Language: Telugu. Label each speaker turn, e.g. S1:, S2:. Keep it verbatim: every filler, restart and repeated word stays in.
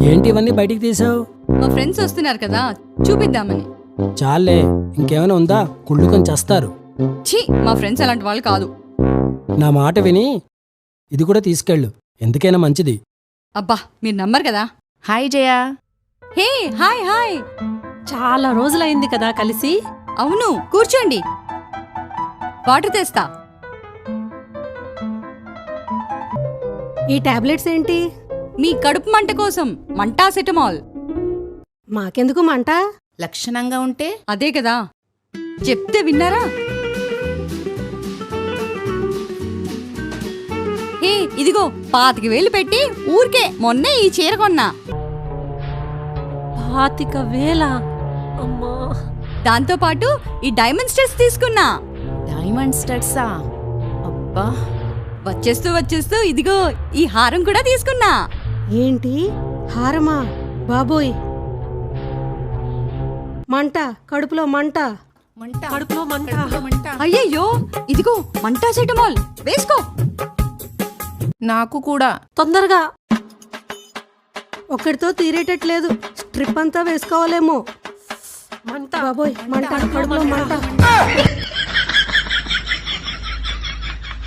S1: ఏంటి ఇవన్నీ బయటికి తీసావు?
S2: మా ఫ్రెండ్స్ వస్తున్నారు కదా చూపిద్దామని.
S1: చాలే, ఇంకేమైనా ఉందా? కుళ్ళుకొని చేస్తారు.
S2: ఛీ, మా ఫ్రెండ్స్ అలాంటి వాళ్ళు కాదు.
S1: నా మాట విని ఇది కూడా తీసుకెళ్ళు, ఎందుకైనా మంచిది.
S2: అబ్బా మీరు నమ్మరు కదా.
S3: Hi Jaya.
S2: Hey hi hi.
S4: చాలా రోజులైంది కదా కలిసి.
S2: అవును, కూర్చోండి, వాటర్ తెస్తా.
S4: ఈ టాబ్లెట్స్ ఏంటి?
S2: మీ కడుపు మంట కోసం మంటాసెటమాల్.
S4: మాకెందుకు మంట?
S3: లక్షణంగా ఉంటే
S2: అదే కదా, చెప్తే విన్నారా? హే ఇదిగో, పాతిక వేలు పెట్టి ఊరికే మొన్నే ఈ చీర కొన్నా.
S4: పాతిక వేల? అమ్మా.
S2: దాంతో పాటు ఈ డైమండ్ స్టడ్స్ తీసుకున్నా.
S3: డైమండ్ స్టడ్సా? అబ్బా.
S2: వచ్చేస్తూ వచ్చేస్తూ ఇదిగో ఈ హారం కూడా తీసుకున్నా.
S4: ఏంటి హారమా? బాబోయ్, మంట, కడుపులో మంట.
S3: మంట,
S4: కడుపులో మంట.
S3: కడుపులో మంట.
S2: అయ్యయ్యో, ఇదిగో మంటాసెటమాల్ వేసుకో.
S3: నాకు కూడా.
S4: తొందరగా. ఒక్కడితో తీరేటట్లేదు, స్ట్రిప్ అంతా వేసుకోవాలేమో. మంట బాబోయ్, మంట, కడుపులో మంట.